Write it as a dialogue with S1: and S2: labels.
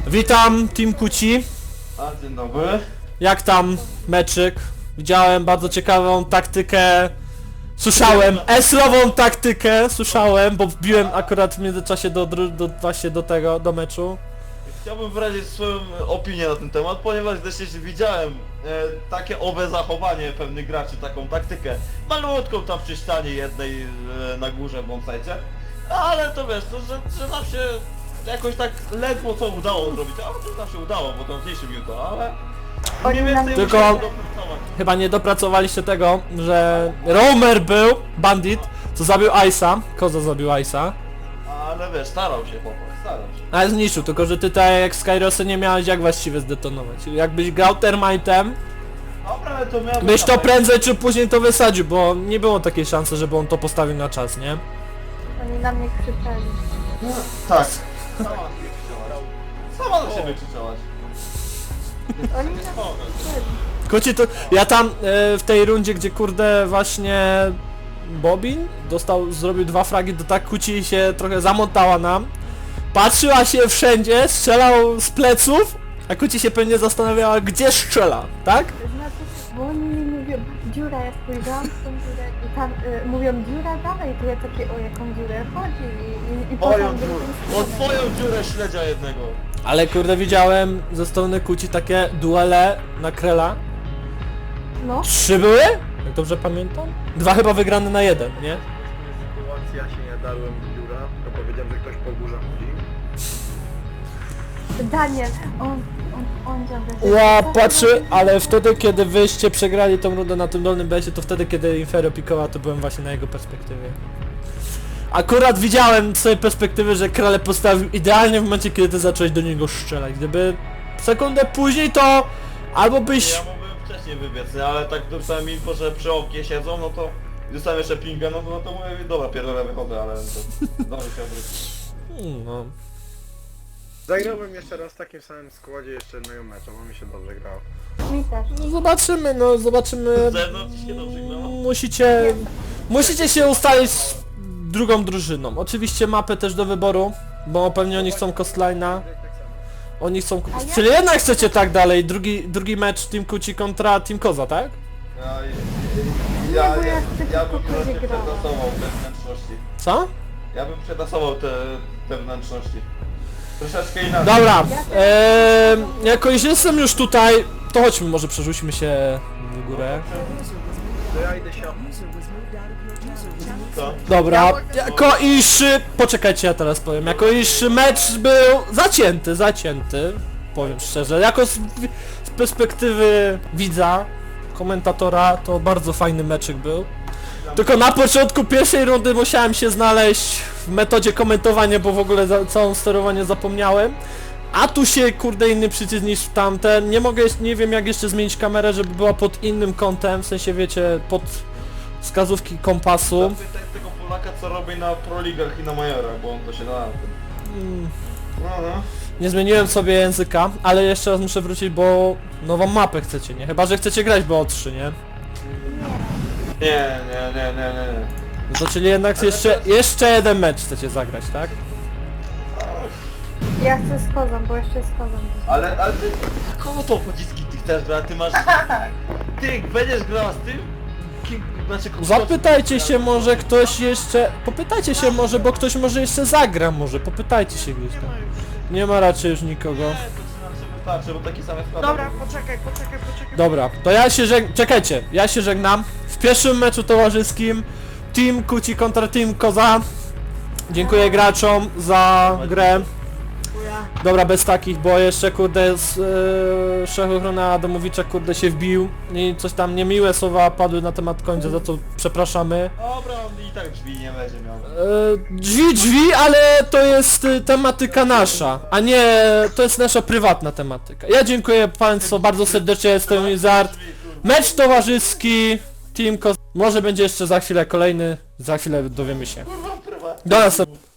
S1: Witam, Team Kuci.
S2: A, dzień dobry.
S1: Jak tam meczyk? Widziałem bardzo ciekawą taktykę. Słyszałem, eslową taktykę, słyszałem, bo wbiłem akurat w międzyczasie właśnie do meczu.
S2: Chciałbym wyrazić swoją opinię na ten temat, ponieważ też widziałem takie owe zachowanie pewnych graczy, taką taktykę malutką tam przy ścianie jednej na górze w bombsite, ale to wiesz, to, że nam się jakoś tak ledwo co udało zrobić, ale to nam się udało, bo to zniszczył to, ale mniej więcej
S1: Tylko-
S2: musiałem dopracować.
S1: Chyba nie dopracowaliście tego, że Roamer był, bandit, co zabił Ice'a, Koza zabił Ice'a.
S2: Ale wiesz, starał się chłopak, starał się.
S1: Ale zniszczył, tylko że ty tak jak Skyrosy nie miałeś jak właściwie zdetonować. Jakbyś grał Termite'em,
S2: Dobra, ale to miałem...
S1: byś to prędzej czy później to wysadził, bo nie było takiej szansy, żeby on to postawił na czas, nie?
S3: Oni na mnie krzyczeli.
S2: Tak. Sama na siebie krzyczałaś. Sama na siebie krzyczałaś.
S3: Oni na mnie krzyczeli.
S1: Kuci to... Ja tam w tej rundzie, gdzie kurde właśnie Bobin zrobił 2 fragi, to tak Kuci się trochę zamontała nam. Patrzyła się wszędzie, strzelał z pleców, a Kuci się pewnie zastanawiała, gdzie strzela, tak?
S3: Znaczy, bo oni mi mówią, dziura, ja spojrzałam w tą dziurę i tam mówią, dziura dalej, to ja takie, o jaką dziurę chodzi i
S2: Moją
S3: potem
S2: dziurę.
S3: drugą
S2: O
S3: stronę.
S2: twoją dziurę śledzia jednego.
S1: Ale kurde widziałem ze strony Kuci takie duele na Krela.
S3: No,
S1: 3 były? Jak dobrze pamiętam? 2 chyba wygrane na 1, nie?
S4: Sytuacja się nie darłem w dziura, to powiedziałem, że ktoś po górze chodzi.
S3: Daniel, on dziadę.
S1: Ła, patrzy, ale wtedy kiedy wyście przegrali tą rundę na tym dolnym besie, to wtedy kiedy Infero pikowała, to byłem właśnie na jego perspektywie. Akurat widziałem z tej perspektywy, że Krale postawił idealnie w momencie, kiedy ty zacząłeś do niego strzelać. Gdyby sekundę później, to albo byś...
S2: Ja mógłbym wcześniej wybiec, nie? Ale tak dostałem info, że przy oknie siedzą, no to... I dostałem jeszcze pinga, no to mówię, dobra, pierdolę, wychodzę, ale to... Dobrze się obrócić.
S1: No.
S4: Zagrałbym jeszcze raz w takim samym składzie jeszcze jednego meczu, bo mi się dobrze grało.
S3: Mi też.
S1: No zobaczymy, no zobaczymy.
S2: Z zewnątrz ci się dobrze grało?
S1: Musicie się ustalić z drugą drużyną. Oczywiście mapę też do wyboru, bo pewnie oni chcą Coastline'a. Oni chcą...
S3: A ja-
S1: Czyli jednak chcecie tak dalej, drugi mecz Team Kuci kontra Team Koza, tak?
S2: Ja
S3: bo ja chcę
S2: ja bym
S3: tylko
S2: troszkę
S3: będzie grała.
S2: przetasował te wnętrzności.
S1: Co?
S2: Ja bym przetasował te wnętrzności. Troszeczkę inaczej.
S1: Dobra, jako iż jestem już tutaj, to chodźmy, może przerzućmy się w górę.
S4: To ja idę się...
S2: Co?
S1: Dobra, jako iż... Poczekajcie, ja teraz powiem. Jako iż mecz był zacięty, powiem szczerze. Jako z perspektywy widza, komentatora, to bardzo fajny meczyk był. Tylko na początku pierwszej rundy musiałem się znaleźć w metodzie komentowania, bo w ogóle całą sterowanie zapomniałem. A tu się kurde inny przycisk niż tamten. Nie wiem jak jeszcze zmienić kamerę, żeby była pod innym kątem, w sensie wiecie, pod wskazówki kompasu.
S2: Zapytaj tego Polaka, co robi na Pro Ligach i na Majorach, bo on to się da na tym. No.
S1: Nie zmieniłem sobie języka, ale jeszcze raz muszę wrócić, bo nową mapę chcecie, nie? Chyba że chcecie grać BO3, nie?
S2: Nie.
S1: No to czyli jednak jeszcze jeden mecz chcecie zagrać, tak?
S3: Ja chcę z kozą, bo jeszcze z kozą.
S2: Ale ty... Kogo to pociski ty chcesz grać? Ty masz... Ty będziesz grała z tym? Znaczy,
S1: Zapytajcie się może ktoś jeszcze... Popytajcie się może, bo ktoś może jeszcze zagra może. Popytajcie się gdzieś tam. Nie ma raczej już nikogo.
S2: Nie, to ci nam się wystarczy, bo taki sam jest skład.
S5: Dobra, poczekaj.
S1: Dobra, to ja się czekajcie, ja się żegnam. W pierwszym meczu towarzyskim Team Kuci kontra Team Koza. Dziękuję graczom za grę. Dobra, bez takich, bo jeszcze kurde z Szechochrona Adamowicza kurde się wbił i coś tam niemiłe słowa padły na temat końca, za co przepraszamy.
S2: Dobra, on i tak drzwi nie będzie miał.
S1: Drzwi, ale to jest tematyka nasza, a nie, to jest nasza prywatna tematyka. Ja dziękuję Państwu bardzo serdecznie, jestem Lizard. Mecz towarzyski, Team Koza. Może będzie jeszcze za chwilę kolejny, za chwilę dowiemy się.
S2: Kurwa, prywatnie.
S1: Do następnego.